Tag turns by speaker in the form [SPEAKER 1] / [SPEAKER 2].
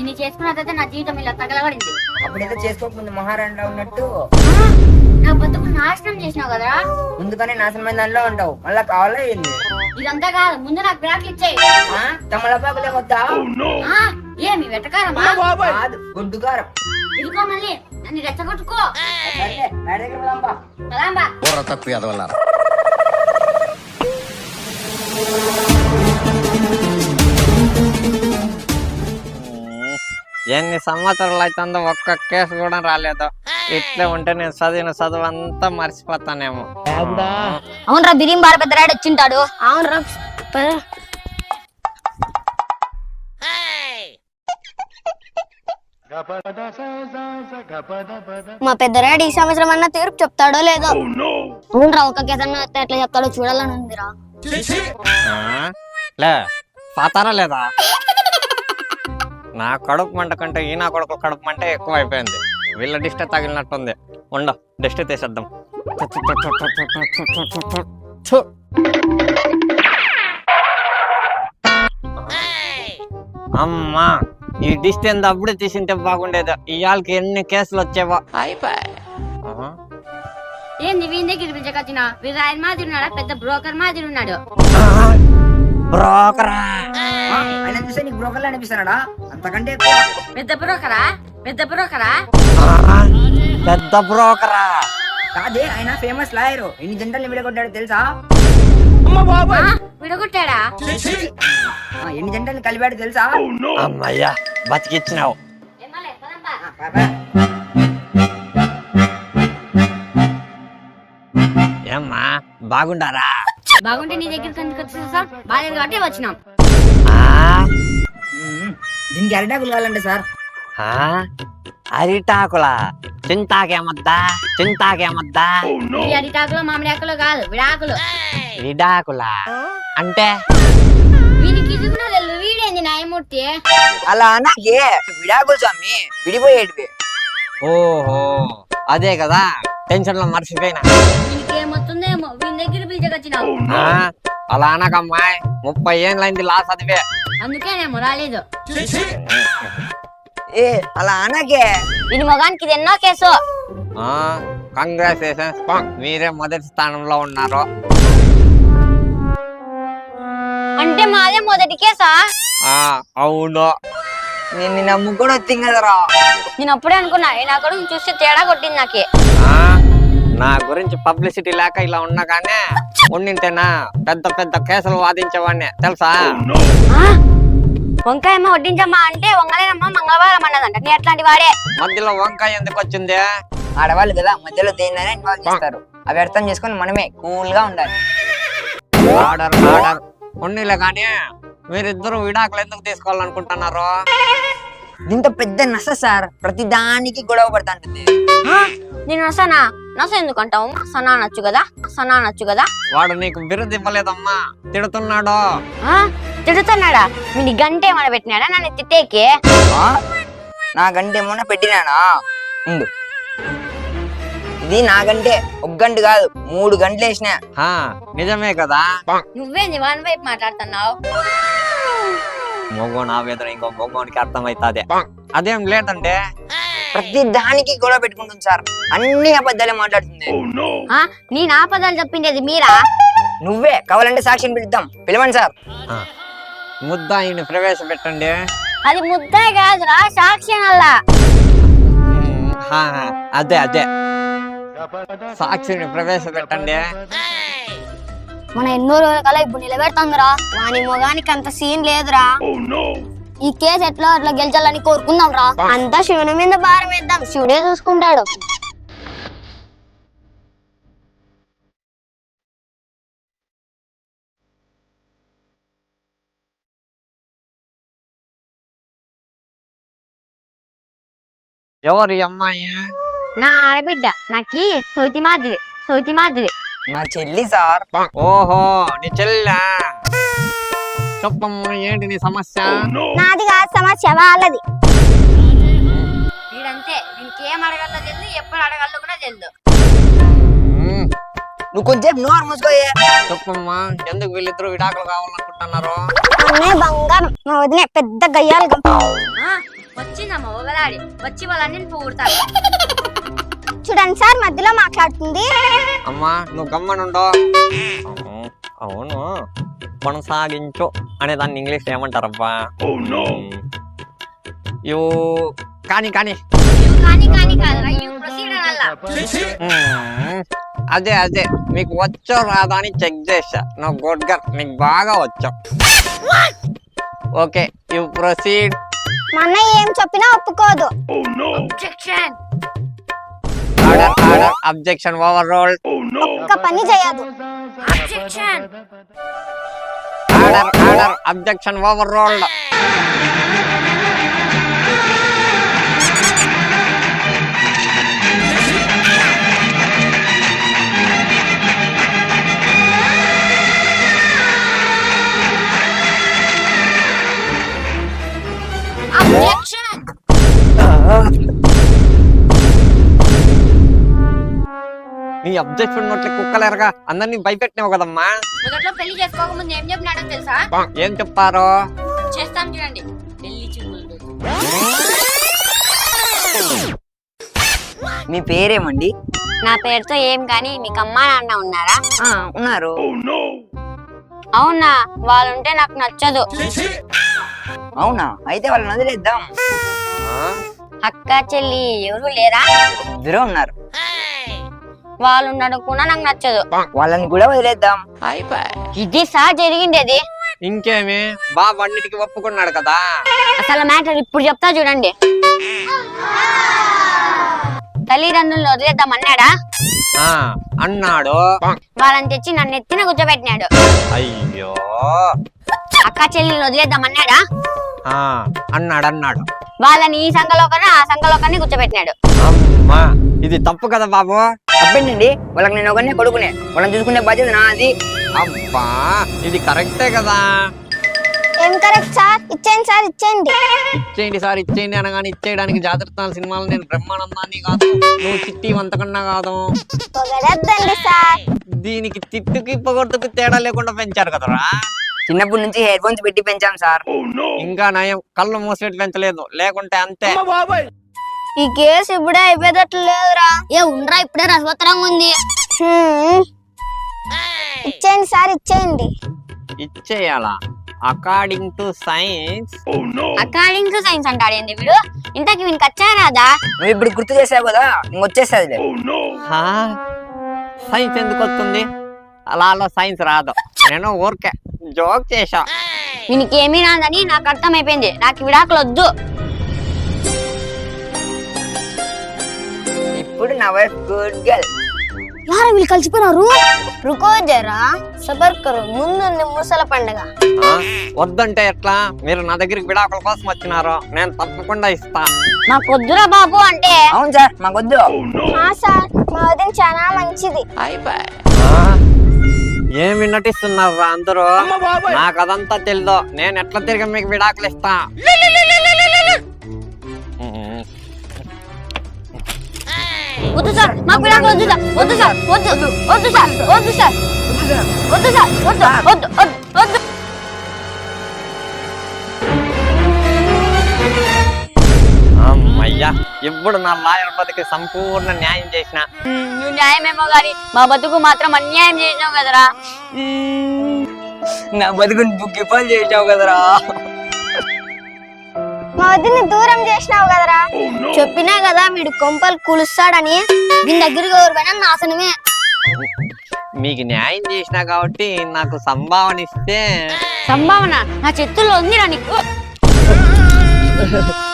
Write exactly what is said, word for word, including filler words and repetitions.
[SPEAKER 1] నిన్ను చేసుకున్నదైతే నా జీవితం ఇలా తగలబడింది.
[SPEAKER 2] అప్పుడైతే చేసుకోకముందు మహారాణిలో ఉన్నట్టు
[SPEAKER 1] నా బతుకు నాశనం చేసినావు కదరా.
[SPEAKER 2] ముందుగానే నాశనమైన దానిలో ఉంటావు, మళ్ళా కావాలా ఏంది?
[SPEAKER 1] ఇదంతా కాదు, ముందు నాకు బ్రాట్లు ఇచ్చేయి.
[SPEAKER 2] తమలపాకులే వద్దా?
[SPEAKER 1] ఏమి వెటకారమా?
[SPEAKER 2] కాదు, గుడ్డు కారం.
[SPEAKER 1] ఇదిగో మళ్ళీ నన్ను రెచ్చగొట్టుకో.
[SPEAKER 2] సర్లే, బయట దగ్గర పోదాంపా.
[SPEAKER 1] పదాంబా.
[SPEAKER 3] తక్కువ ఎదవల్లారా.
[SPEAKER 4] ఎన్ని సంవత్సరాలు అవుతుందో ఒక్క కేసు కూడా రాలేదు. ఇట్లే ఉంటే నేను చదివిన చదువు అంతా మర్చిపోతానేమో.
[SPEAKER 1] అవునరా, బిరియం బార పెద్ద రాడు వచ్చింటాడు. అవునరా,
[SPEAKER 5] మా పెద్దరాడు ఈ సంవత్సరం అన్న తీర్పు చెప్తాడో లేదో. అవునరా, ఒక కేసన్న ఎట్లా చెప్తాడో చూడాలని ఉందిరా.
[SPEAKER 4] లే పాతారా లేదా? నా కడుపు మంట కంటే ఈ నా కొడుకు కడుపు మంట ఎక్కువ అయిపోయింది. వీళ్ళ డిస్ట్ తగిలినట్టుంది. ఉండ డిస్ట్ తీసేద్దాం. అమ్మా, ఈ డిస్ట్ ఎంత అప్పుడే తీసింటే బాగుండేది. ఇవాళకి ఎన్ని కేసులు వచ్చేవా.
[SPEAKER 1] ఏంది వీని దగ్గర పిలిచకొచ్చిన? వీడు ఆయన మాదిరి ఉన్నాడా? పెద్ద బ్రోకర్ మాదిరి ఉన్నాడు.
[SPEAKER 4] బ్రోకరా?
[SPEAKER 2] ఆయన చూస్తే నీకు బ్రోకర్లు అనిపిస్తున్నాడా? అంతకంటే ఎక్కువ.
[SPEAKER 1] పెద్ద బ్రోకరా? పెద్ద బ్రోకరా?
[SPEAKER 4] పెద్ద బ్రోకరా?
[SPEAKER 2] కాదే, ఆయన ఫేమస్ లాయర్. ఎన్ని జంటల్ని విడగొట్టాడు తెలుసా?
[SPEAKER 1] విడగొట్టాడా?
[SPEAKER 2] ఎన్ని జంటల్ని కలిపాడు తెలుసా?
[SPEAKER 4] అమ్మయ్యా, బతికిచ్చినావు. ఏమ్మా, బాగుండారా?
[SPEAKER 1] బాగుంటే నీ దగ్గరికి ఎందుకు వచ్చేసా సార్? బాగాలేదు కాబట్టి వచ్చినాం.
[SPEAKER 2] దీనికి అరిటాకులు కావాలంటే సార్.
[SPEAKER 4] అరిటాకులా? చింతాకేమద్దా? చింతాకేమద్దా?
[SPEAKER 1] ఈ అరిటాకులు మామిడి ఆకులు కాదు, విడాకులు.
[SPEAKER 4] విడాకులా అంటే?
[SPEAKER 1] వీనికి ఇదిగున్నా తెలు, వీడేంది న్యాయమూర్తి?
[SPEAKER 2] అలా నాకే విడాకులు స్వామి, విడిపోయేటివి.
[SPEAKER 4] ఓహో, అదే కదా టెన్షన్ లో మర్చిపోయినా.
[SPEAKER 1] వీనికేమొస్తుందేమో, వీని దగ్గర పిలిచకొచ్చినావు.
[SPEAKER 4] అలా అనకమ్మాయి, ముప్పై ఏళ్ళైంది లా చదివే.
[SPEAKER 1] అందుకేనేమో రాలేదు.
[SPEAKER 2] ఏ అలా అనకే.
[SPEAKER 5] వీని మొగానికి ఇది ఎన్నో కేసు.
[SPEAKER 4] కంగ్రాచులేషన్స్, మీరే మొదటి స్థానంలో ఉన్నారు.
[SPEAKER 5] అంటే మాదే మొదటి కేసా?
[SPEAKER 4] అవును.
[SPEAKER 2] నేను నిన్న ముగ్గురు వచ్చింది కదరా.
[SPEAKER 5] నేను అప్పుడే అనుకున్నా, నా కొడుకు చూస్తే తేడా కొట్టింది నాకే.
[SPEAKER 4] నా గురించి పబ్లిసిటీ లేక ఇలా ఉన్నా కానీ ఉండింటేనా పెద్ద పెద్ద కేసులు వాదించేవాడిని తెలుసా?
[SPEAKER 5] వంకాయమ్మ వడ్డించమ్మా అంటే వంగలేనమ్మా మంగళవారం అన్నదంట. నీ అట్లాంటి వాడే.
[SPEAKER 4] మధ్యలో వంకాయ ఎందుకు వచ్చింది?
[SPEAKER 2] ఆడవాళ్ళు కదా, మధ్యలో దేన్నైనా ఇన్వాల్వ్ చేస్తారు. అవి అర్థం చేసుకొని మనమే కూల్ గా ఉండాలి.
[SPEAKER 4] ఆర్డర్ ఆర్డర్ ఉన్నీలే కానీ మీరిద్దరు విడాకులు ఎందుకు తీసుకోవాలనుకుంటున్నారు?
[SPEAKER 2] దీంతో పెద్ద నస సార్, ప్రతి దానికి గొడవ పడుతుంటుంది.
[SPEAKER 5] నేను నసనా? నస ఎందుకు అంటావు? సనా నచ్చు కదా, సనా నచ్చు కదా.
[SPEAKER 4] వాడు నీకు బిరుదు ఇవ్వలేదమ్మా, తిడుతున్నాడు.
[SPEAKER 5] తిడుతున్నాడా? మీ గంటే ఏమైనా పెట్టినాడా నన్ను తిట్టేకి?
[SPEAKER 2] నాకంటే ఏమన్నా పెట్టినానా? ఉండు, ఇది నాకంటే ఒక గంట కాదు, మూడు గంటలు వేసిన.
[SPEAKER 4] నిజమే కదా?
[SPEAKER 5] నువ్వేంది వన్ వైపు మాట్లాడుతున్నావు?
[SPEAKER 4] మొగోని ఆవేదన ఇంకో మొగోనికి అర్థమైతాదే. అదేం లేదంటే
[SPEAKER 2] ప్రతి దానికి గొడవ పెట్టుకుంటుంది సార్, అన్ని అబద్ధాలే మాట్లాడుతుంది.
[SPEAKER 5] నీ నా పదాలు చెప్పిండేది మీరా?
[SPEAKER 2] నువ్వే. కావాలంటే సాక్షిని పిలుద్దాం, పిలవండి సార్.
[SPEAKER 4] ముద్దాయిని ప్రవేశపెట్టండి.
[SPEAKER 5] అది ముద్దే కాదురా, సాక్షి అల్లా.
[SPEAKER 4] అదే అదే సాక్షిని ప్రవేశపెట్టండి.
[SPEAKER 5] మన ఎన్నో రోజుల కల ఇప్పుడు నిలబెడుతుందిరా. వాని మొగానికి అంత సీన్ లేదురా. ఈ కేసు ఎట్లా అట్లా గెలిచాలని కోరుకుందాం రా. అంతా శివుని మీద భారం వేద్దాం, శివుడే చూసుకుంటాడు.
[SPEAKER 4] ఎవరు ఈ అమ్మాయి?
[SPEAKER 5] నా ఆడబిడ్డ, నాకి సౌతి మాదిరి, సౌతి మాదిరి.
[SPEAKER 2] మా చెల్లి సార్.
[SPEAKER 4] ఓహో, నీ చెల్లా? చెప్పమ్మా, ఏంటి నీ సమస్య?
[SPEAKER 5] నాది కాదు సమస్య, వాళ్ళది.
[SPEAKER 1] వీడంతే, వీనికి ఏం అడగాలో తెలియదు, ఎప్పుడు అడగాలో కూడా తెలియదు.
[SPEAKER 2] నువ్వు కొంచెం నోరు మూసుకోయే.
[SPEAKER 4] చెప్పమ్మా, ఎందుకు వీళ్ళిద్దరు విడాకులు కావాలనుకుంటున్నారు?
[SPEAKER 5] అన్నే బంగారం, మా వదిలే పెద్ద గయ్యాలు.
[SPEAKER 1] వచ్చిందమ్మా ఒకలాడి వచ్చి వాళ్ళని పొగుడతాడు.
[SPEAKER 5] చూడండి సార్ మధ్యలో మాట్లాడుతుంది.
[SPEAKER 4] అమ్మా నువ్వు గమ్మనుండో. అవును కొనసాగించు అనే దాన్ని ఇంగ్లీష్ ఏమంటారబ్బా? యూ కానీ కానీ
[SPEAKER 1] ఇవి కానీ కానీ కాదురా, ఇవి ప్రొసీడ్ అనాలా.
[SPEAKER 4] మ్మ్. అదే అదే మీకు వచ్చో రాదా అని చెక్ చేసా. నువ్వు గుడ్ గర్, నీకు బాగా వచ్చావు. Okay you proceed.
[SPEAKER 5] మా అన్నయ్య ఏం చెప్పినా ఒప్పుకోదు.
[SPEAKER 1] Objection.
[SPEAKER 4] Order order objection overruled.
[SPEAKER 5] ఒక్క పని చేయదు.
[SPEAKER 1] Objection.
[SPEAKER 4] Order order objection overruled.
[SPEAKER 1] Objection.
[SPEAKER 4] నీ అబ్జెక్షన్ నోట్లే కుక్కలేరగా అందరినీ భయపెట్టినావు కదమ్మా.
[SPEAKER 1] మొదట్లో పెళ్లి చేసుకోకముందు ఏం చెప్పినాడో తెలుసా?
[SPEAKER 4] ఏం చెప్పారు?
[SPEAKER 1] చేస్తాం చూడండి పెళ్లి చూపులు.
[SPEAKER 2] మీ పేరేమండి?
[SPEAKER 5] నా పేరుతో ఏం కానీ మీకు అమ్మా నాన్న ఉన్నారా?
[SPEAKER 2] ఆ ఉన్నారు.
[SPEAKER 5] అవునా, వాళ్ళుంటే నాకు నచ్చదు.
[SPEAKER 2] అవునా, అయితే వాళ్ళని వదిలేద్దాం.
[SPEAKER 5] అక్క చెల్లి ఎవరు లేరా?
[SPEAKER 2] ఇద్దరు ఉన్నారు.
[SPEAKER 5] వాళ్ళు ఉండడం కూడా నాకు నచ్చదు.
[SPEAKER 2] వాళ్ళని కూడా వదిలేద్దాం.
[SPEAKER 5] ఇది సార్ జరిగిండేది.
[SPEAKER 4] ఇంకేమి బాబు అన్నిటికీ ఒప్పుకున్నాడు కదా.
[SPEAKER 5] అసలు మ్యాటర్ ఇప్పుడు చెప్తా చూడండి. తల్లిదండ్రులను వదిలేద్దాం అన్నాడా?
[SPEAKER 4] ఆ అన్నాడు.
[SPEAKER 5] వాళ్ళని తెచ్చి నన్ను ఎత్తిన కూర్చోబెట్టినాడు.
[SPEAKER 4] అయ్యో.
[SPEAKER 5] అక్క చెల్లిని వదిలేద్దాం అన్నాడా?
[SPEAKER 4] ఆ అన్నాడు అన్నాడు.
[SPEAKER 5] వాళ్ళని ఈ సంఘలో కన్నా ఆ సంఘలో కన్నా కూర్చోబెట్టినాడు.
[SPEAKER 4] అమ్మా ఇది తప్పు కదా బాబు.
[SPEAKER 2] తప్పేంటండి, వాళ్ళకి నేను ఒకనే కొడుకునే, వాళ్ళని చూసుకునే బాధ్యత నాది.
[SPEAKER 4] అబ్బా ఇది కరెక్టే కదా.
[SPEAKER 5] ఏం కరెక్ట్ సార్? ఇచ్చేయండి సార్, ఇచ్చేయండి.
[SPEAKER 4] ఇచ్చేయండి సార్ ఇచ్చేయండి అనగానే ఇచ్చేయడానికి జాగ్రత్త సినిమాలు నేను బ్రహ్మానందాన్ని కాదు, నువ్వు చిట్టి వంతకన్నా కాదు.
[SPEAKER 5] పొగడొద్దండి సార్.
[SPEAKER 4] దీనికి తిట్టుకి పొగొట్టుకి తేడా లేకుండా పెంచారు కదరా.
[SPEAKER 2] చిన్నప్పటి నుంచి హెడ్ ఫోన్స్ పెట్టి పెంచాం సార్.
[SPEAKER 4] ఇంకా నయం కళ్ళు మూసినట్టు పెంచలేదు, లేకుంటే అంతే.
[SPEAKER 5] ఈ కేసు ఇప్పుడే అయిపోయేటట్లు లేదురా. ఏ ఉండరా, ఇప్పుడే రసవత్తరంగా ఉంది. ఇచ్చేయండి సార్, ఇచ్చేయండి.
[SPEAKER 4] ఇచ్చేయాలా? According to science.
[SPEAKER 5] According to science అంటాడు ఏంది వీడు? ఇంతకి వీనికి వచ్చారాదా?
[SPEAKER 2] నువ్వు ఇప్పుడు గుర్తు చేసావు కదా, ఇంకొచ్చేస్తుంది.
[SPEAKER 4] సైన్స్ ఎందుకు వస్తుంది? అలా అలా సైన్స్ రాదు. నేను ఊరికే జోక్ చేసా.
[SPEAKER 5] వీనికి ఏమీ రాదని నాకు అర్థమైపోయింది. నాకు విడాకులు వద్దు.
[SPEAKER 2] ఇప్పుడు నా వైఫ్ గుడ్ గర్ల్.
[SPEAKER 5] యారా వీళ్ళు కలిసిపోయినారు. రుకో జరా సబర్ కరో, ముందుంది ముసల పండగ.
[SPEAKER 4] ఆ, వద్దంటే ఎట్లా? మీరు నా దగ్గరికి విడాకుల కోసం వచ్చినారు, నేను తప్పకుండా ఇస్తా.
[SPEAKER 5] నాకు వద్దురా బాబు అంటే.
[SPEAKER 2] అవును సార్, మాకొద్దు.
[SPEAKER 5] సార్ మా వదిన చాలా మంచిది.
[SPEAKER 4] ఆ, ఏమి నటిస్తున్నారు అందరూ? నాకు అదంతా తెలీదు. నేను ఎట్లా తిరిగి మీకు విడాకులు ఇస్తా.
[SPEAKER 5] వద్దు సార్, మాకు విడాకులు వద్దు సార్. వద్దు సార్, వద్దు వద్దు సార్, వద్దు సార్, వద్దు సార్, వద్దు వద్దు వద్దు వద్దు.
[SPEAKER 4] అమ్మయ్యా, ఇప్పుడు నా లాయర్ బతికి సంపూర్ణ న్యాయం చేసిన.
[SPEAKER 5] నువ్వు న్యాయమేమో గాని మా బతుకు మాత్రం అన్యాయం చేసినావు కదరా.
[SPEAKER 2] నా బతుకుని బుక్కి పాలు చేసావు కదరా.
[SPEAKER 5] మా వదిని దూరం చేసినావు కదరా. చెప్పినా కదా వీడు కొంపలు కూలుస్తాడని. దీని దగ్గరికి ఎవరికైనా నాశనమే.
[SPEAKER 4] మీకు న్యాయం చేసినా కాబట్టి నాకు సంభావన ఇస్తే.
[SPEAKER 5] సంభావన నా చేతుల్లో ఉందిరా నీకు.